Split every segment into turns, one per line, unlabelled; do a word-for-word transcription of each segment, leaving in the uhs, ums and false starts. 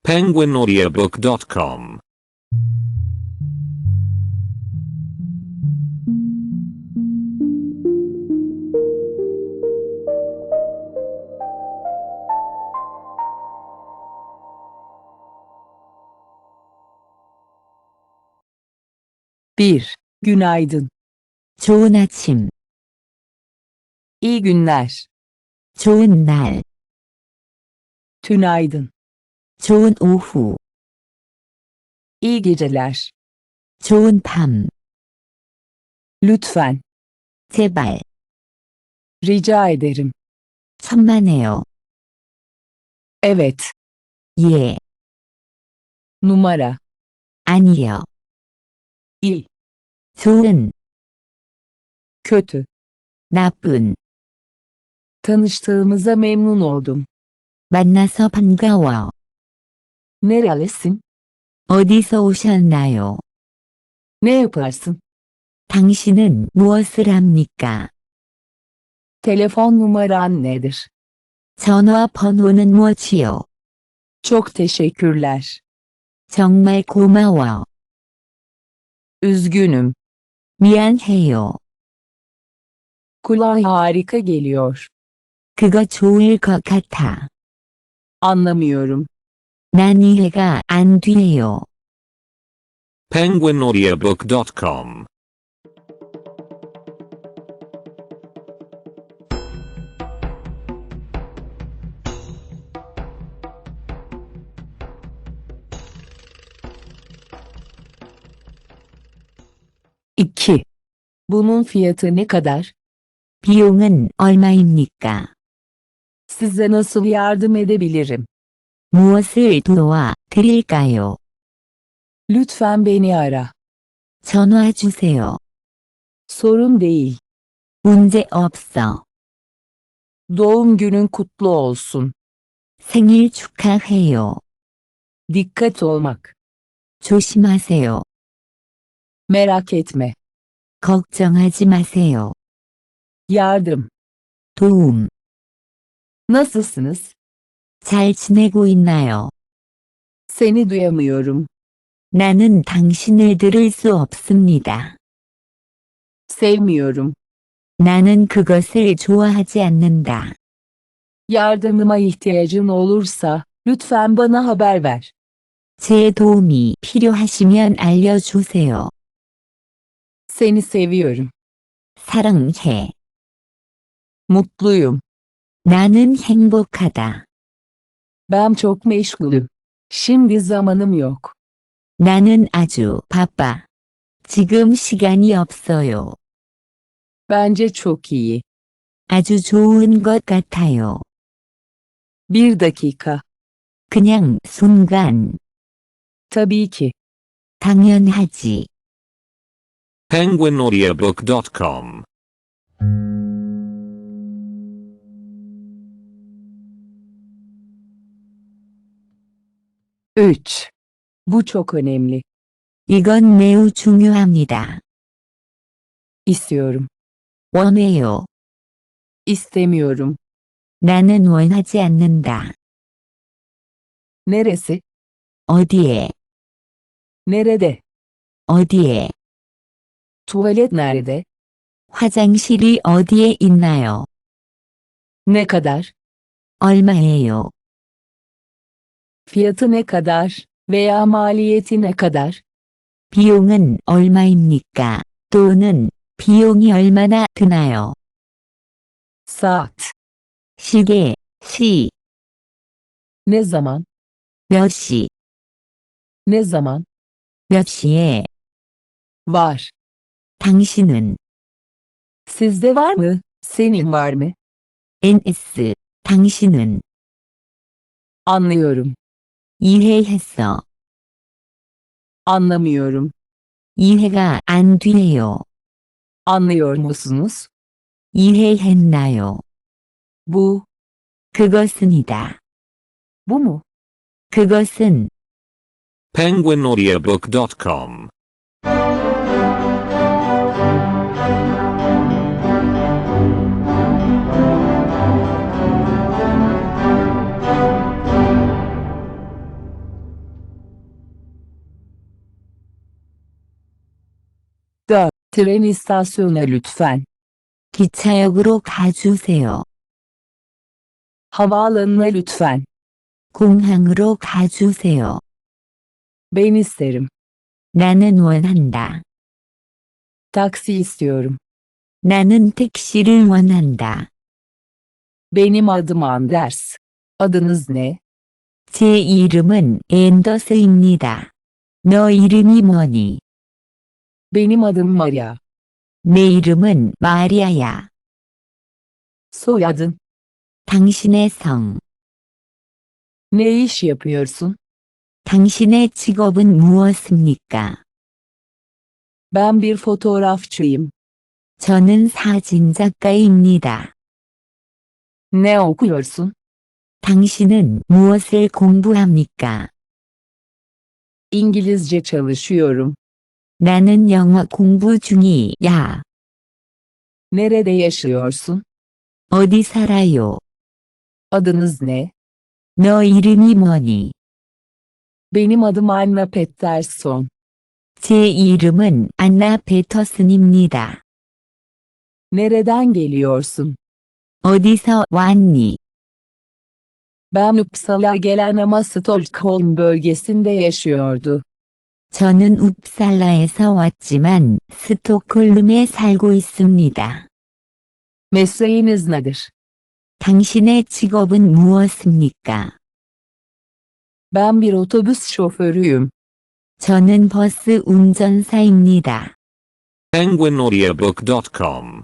penguin audiobook dot com.
bir. Günaydın.
좋은 아침,
İyi günler.
좋은 날,
Tünaydın.
좋은 오후,
İyi geceler.
좋은 밤,
Lütfen.
제발,
Rica ederim.
천만에요.
Evet.
예,
Numara.
아니요.
İyi.
좋은,
Kötü.
나쁜,
Tanıştığımıza memnun oldum.
만나서 반가워.
Nerelisin?
어디서 오셨나요?
Ne yaparsın?
당신은 무엇을 합니까?
Telefon numaran nedir?
전화 번호는 무엇이요?
Çok teşekkürler.
정말 고마워.
Üzgünüm.
미안해요.
Kulağa harika geliyor.
그거 좋을 것 같아.
Anlamıyorum.
난 이해가 안 돼요.
penguin audiobook dot com.
iki. Bunun fiyatı ne kadar?
비용은 얼마입니까?
Size nasıl yardım edebilirim?
무엇을 도와 드릴까요?
Lütfen beni ara.
전화 주세요.
Sorun değil.
문제 없어.
Doğum günün kutlu olsun.
생일 축하해요.
Dikkat olmak.
조심하세요.
Merak etme.
걱정하지 마세요.
Yardım.
도움.
Nasılsınız?
잘 지내고 있나요?
Seni duyamıyorum.
나는 당신을 들을 수 없습니다.
Sevmiyorum.
나는 그것을 좋아하지 않는다.
Yardımıma ihtiyacın olursa lütfen bana haber ver.
제 도움이 필요하시면 알려주세요.
Seni seviyorum.
사랑해.
Mutluyum.
나는 행복하다.
Ben çok meşgulüm. Şimdi zamanım yok.
나는 아주 바빠. 지금 시간이 없어요.
Bence çok iyi.
아주 좋은 것 같아요.
Bir dakika.
그냥 순간.
Tabii ki.
당연하지.
penguin audiobook dot com.
üç. Bu çok önemli.
이건 매우 중요합니다.
İstiyorum.
원해요.
İstemiyorum.
나는 원하지 않는다.
Neresi?
어디에?
Nerede?
어디에?
Tuvalet nerede?
화장실이 어디에 있나요?
Ne kadar?
얼마예요?
Fiyatı ne kadar veya maliyeti ne kadar?
비용은 얼마입니까? 또는 비용이 얼마나 드나요?
Saat.
시계, 시,
Ne zaman?
몇 시,
Ne zaman?
몇 시에?
Var.
당신은
Sizde var mı? Senin var mı?
엔에스, 당신은
Anlıyorum.
이해했어.
Anlamıyorum.
이해가 안 돼요.
Anlıyor musunuz?
이해했나요?
Bu.
그것은이다.
Bu mu?
그것은
penguin audiobook dot com.
Tren istasyonuna lütfen.
기차역으로 가주세요.
Havaalanına lütfen.
공항으로 가주세요.
Ben isterim.
나는 원한다.
Taksi istiyorum.
나는 택시를 원한다.
Benim adım Anders. Adınız ne?
제 이름은 앤더스입니다. 너 이름이 뭐니?
Benim adım Maria.
내 이름은 마리아야.
Soyadın.
당신의 성.
Ne iş yapıyorsun?
당신의 직업은 무엇입니까?
Ben bir fotoğrafçıyım.
저는 사진작가입니다.
Ne okuyorsun?
당신은 무엇을 공부합니까?
İngilizce çalışıyorum.
나는 영어 공부 중이야.
Nerede yaşıyorsun?
어디 살아요?
Adınız ne?
너 이름이 뭐니?
Benim adım Anna Pettersson.
제 이름은 안나 베터슨입니다.
Nereden geliyorsun?
어디서 왔니?
Ben Uppsala gelen ama Stockholm bölgesinde yaşıyordu.
저는 웁살라에서 왔지만 스톡홀름에 살고 있습니다.
Mesleğiniz nedir?
당신의 직업은 무엇입니까?
Ben bir otobüs şoförüyüm.
저는 버스 운전사입니다.
penguin audiobook dot com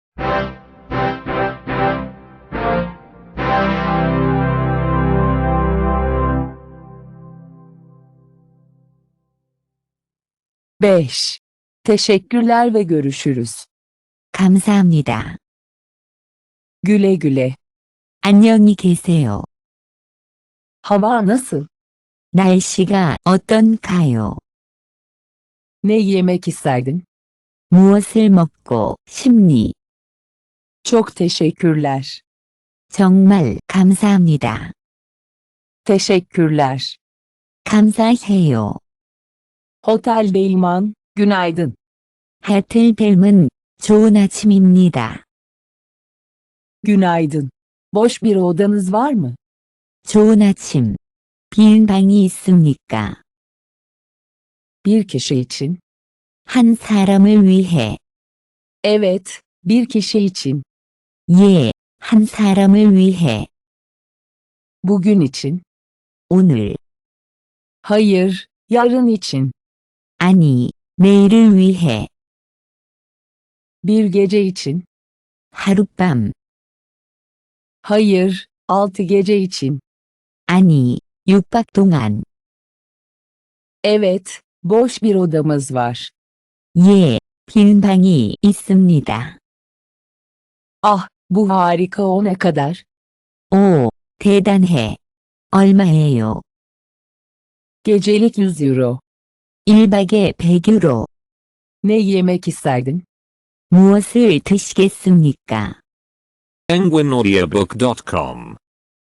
beş. Teşekkürler ve görüşürüz.
감사합니다.
Güle güle.
안녕히 계세요.
Hava nasıl?
날씨가 어떤가요?
Ne yemek isterdin?
무엇을 먹고 싶니?
Çok teşekkürler.
정말 감사합니다.
Teşekkürler.
감사해요.
Hotel Beyman, günaydın.
하틀벨문 좋은 아침입니다.
Günaydın. Boş bir odanız var mı?
좋은 아침. 빈 방이 있습니까?
Bir kişi için.
한 사람을 위해.
Evet, bir kişi için.
예, 한 사람을 위해.
Bugün için.
오늘.
Hayır, yarın için.
아니, 내일을 위해.
Bir gece için.
하룻밤.
Hayır, altı gece için.
아니, 육 박 동안.
Evet, boş bir odamız var.
예, 빈 방이 있습니다.
Ah, bu harika, o ne kadar?
오, 대단해. 얼마예요?
Gecelik yüz euro.
일 박에 백 유로.
Ne yemek isterdin?
무엇을 드시겠습니까?
penguin audiobook dot com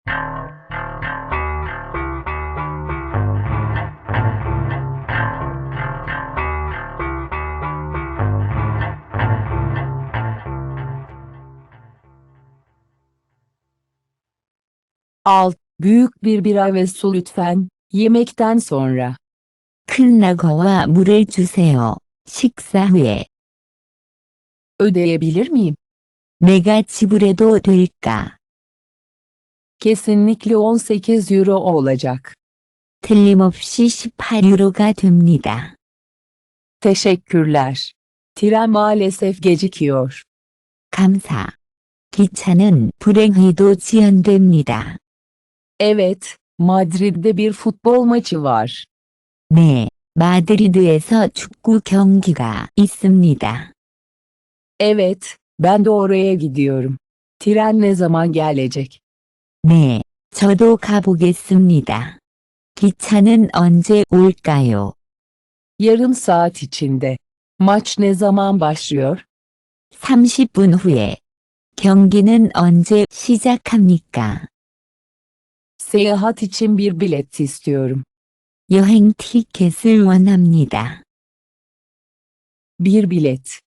Alt, büyük bir bira ve su lütfen, yemekten sonra.
큰 라거와 물을 주세요. 식사 후에.
Ödeyebilir miyim?
내가 지불해도 될까?
Kesinlikle on sekiz euro olacak.
틀림없이 십팔 유로가 됩니다.
Teşekkürler. Tren maalesef gecikiyor.
감사. 기차는 불행히도 지연됩니다.
Evet, Madrid'de bir futbol maçı var.
네, 마드리드에서 축구 경기가 있습니다.
Evet, ben de oraya gidiyorum. Tren ne zaman gelecek?
네, 저도 가보겠습니다. 기차는 언제 올까요?
Yarım saat içinde. Maç ne zaman başlıyor?
삼십 분 후에. 경기는 언제 시작합니까?
Seyahat için bir bilet istiyorum.
여행 티켓을 원합니다.
Bir bilet.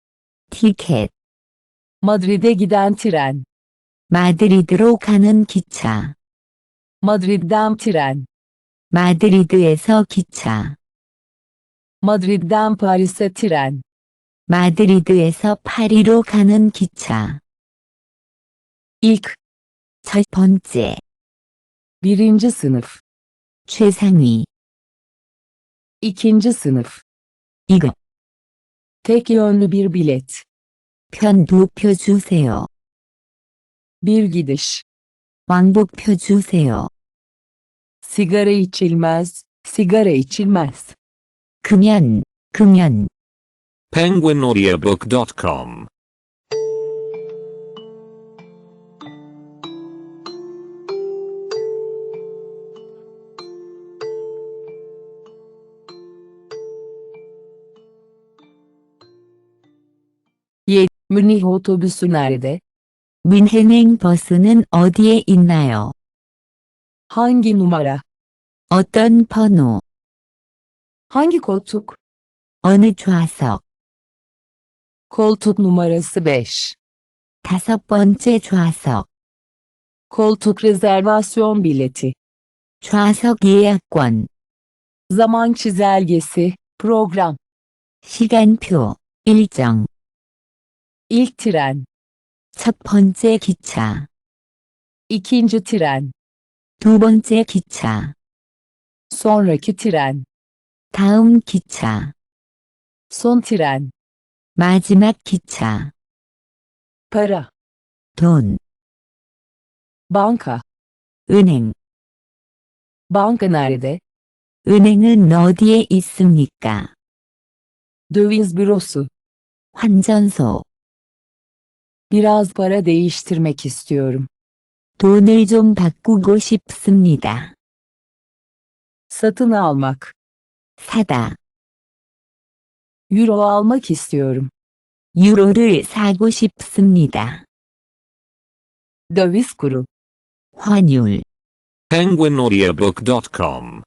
티켓,
Madrid'e giden tren.
마드리드로 가는 기차,
Madrid'den tren.
마드리드에서 기차,
Madrid'den Paris'e tren.
마드리드에서 파리로 가는 기차,
İlk,
첫 번째,
birinci sınıf.
최상위,
İkinci sınıf.
이 급,
Tek yönlü bir bilet.
편도표 주세요.
Bir gidiş.
왕복표 주세요.
Sigara içilmez, sigara içilmez.
금연, 금연,
penguin audiobook dot com.
Münih otobüsü nerede?
뮌헨행 버스는 어디에 있나요?
Hangi numara?
어떤 번호,
Hangi koltuk?
어느 좌석,
Koltuk numarası beş.
다섯 번째 좌석,
Koltuk rezervasyon bileti.
좌석 예약권,
Zaman çizelgesi, program.
시간표, 일정,
İlk tren.
첫 번째 기차,
İkinci tren.
두 번째 기차,
Sonraki tren.
다음 기차,
Son tren.
마지막 기차,
Para.
돈,
Banka.
은행,
Banka nerede?
은행은 어디에 있습니까?
Döviz bürosu.
환전소,
Biraz para değiştirmek istiyorum.
돈을 좀 바꾸고 싶습니다.
Satın almak.
사다,
Euro almak istiyorum.
유로를 사고 싶습니다.
Döviz kuru.
환율,
penguin audiobook dot com.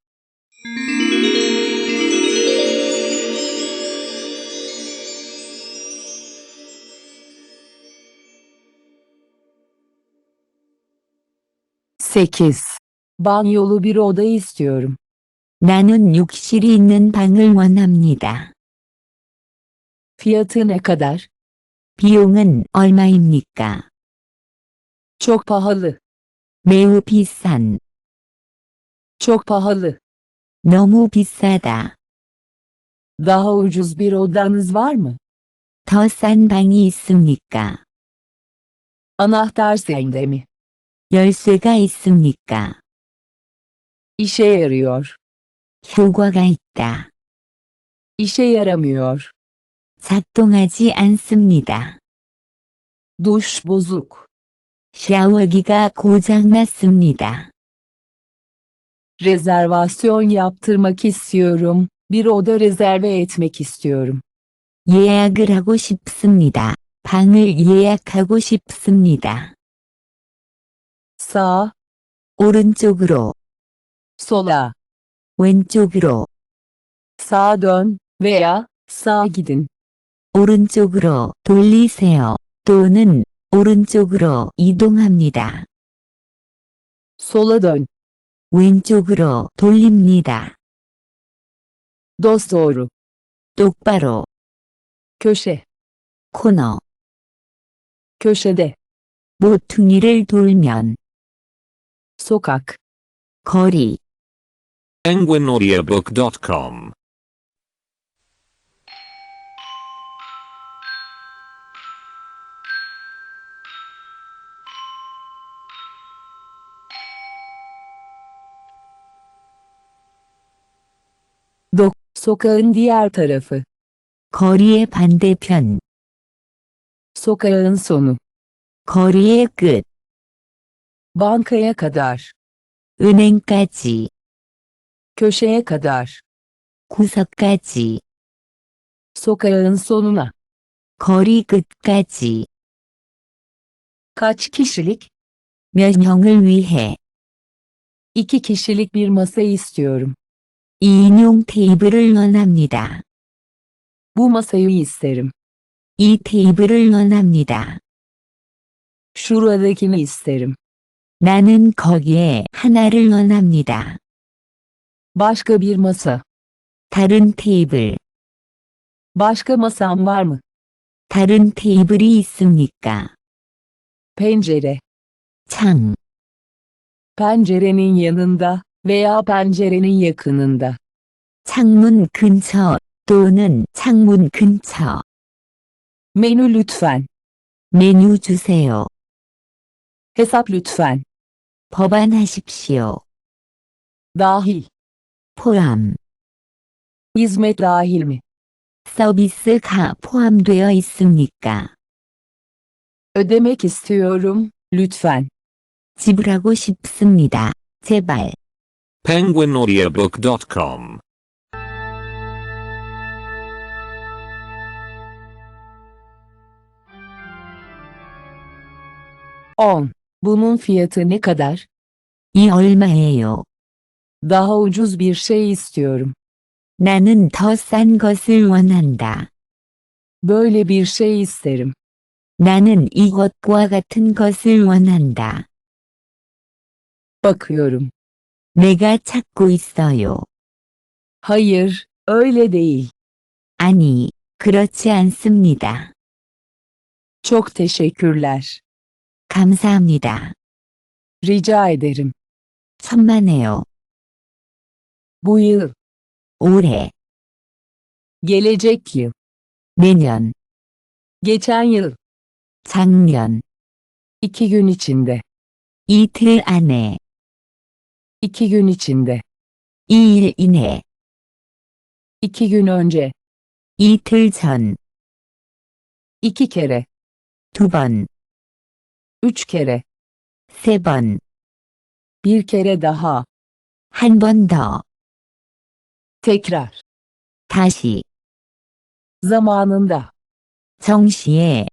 sekiz. Banyolu bir oda istiyorum.
나는 욕실이 있는 방을 원합니다.
Fiyatı ne kadar?
비용은 얼마입니까?
Çok pahalı.
매우 비싼,
Çok pahalı.
너무 비싸다.
Daha ucuz bir odanız var mı?
더 싼 방이 있습니까?
Anahtar sende mi?
열쇠가 있습니까?
İşe yarıyor.
효과가 있다.
İşe yaramıyor.
작동하지 않습니다.
Duş bozuk.
샤워기가 고장났습니다.
Rezervasyon yaptırmak istiyorum. Bir oda rezerve etmek istiyorum.
예약을 하고 싶습니다. 방을 예약하고 싶습니다.
Sağ,
오른쪽으로,
sola,
왼쪽으로,
sağa dön veya sağa gidin.
오른쪽으로 돌리세요. 또는 오른쪽으로 이동합니다.
Sola dön.
왼쪽으로 돌립니다.
Dosdoğru.
똑바로,
Köşe.
코너,
Köşede.
모퉁이를 돌면,
Sokak.
거리,
penguin audiobook dot com.
Dok. Sokağın diğer tarafı.
거리의 반대편,
Sokağın sonu.
거리의 끝,
Bankaya kadar.
은행까지,
Köşeye kadar.
구석까지,
Sokağın sonuna.
거리 끝까지,
Kaç kişilik?
몇 명을 위해
İki kişilik bir masa istiyorum.
이 인용 테이블을 원합니다.
Bu masayı isterim.
이 테이블을 원합니다.
Şuradakini isterim.
나는 거기에 하나를 원합니다.
Başka bir masa.
다른 테이블,
Başka masam var mı?
다른 테이블이 있습니까?
Pencere.
창,
Pencerenin yanında veya pencerenin yakınında.
창문 근처 또는 창문 근처.
Menü lütfen.
메뉴 주세요.
Hesap lütfen.
법안하십시오.
Dahil.
포함,
Hizmet dahil mi?
서비스가 포함되어 있습니까?
Ödemek istiyorum, lütfen.
지불하고 싶습니다. 제발.
penguin audiobook dot com.
on. Bunun fiyatı ne kadar?
이 얼마예요?
Daha ucuz bir şey istiyorum.
나는 더 싼 것을 원한다.
Böyle bir şey isterim.
나는 이것과 같은 것을 원한다.
Bakıyorum.
내가 찾고 있어요.
Hayır, öyle değil.
아니, 그렇지 않습니다.
Çok teşekkürler.
감사합니다.
Rica ederim.
천만에요.
Bu yıl,
올해,
gelecek yıl,
내년,
geçen yıl,
작년,
iki gün içinde,
이틀 안에,
iki gün içinde,
이일 이내,
iki gün önce,
이틀 전,
iki kere,
두 번,
üç kere,
세 번,
bir kere daha,
한 번 더,
tekrar,
다시,
zamanında,
정시에,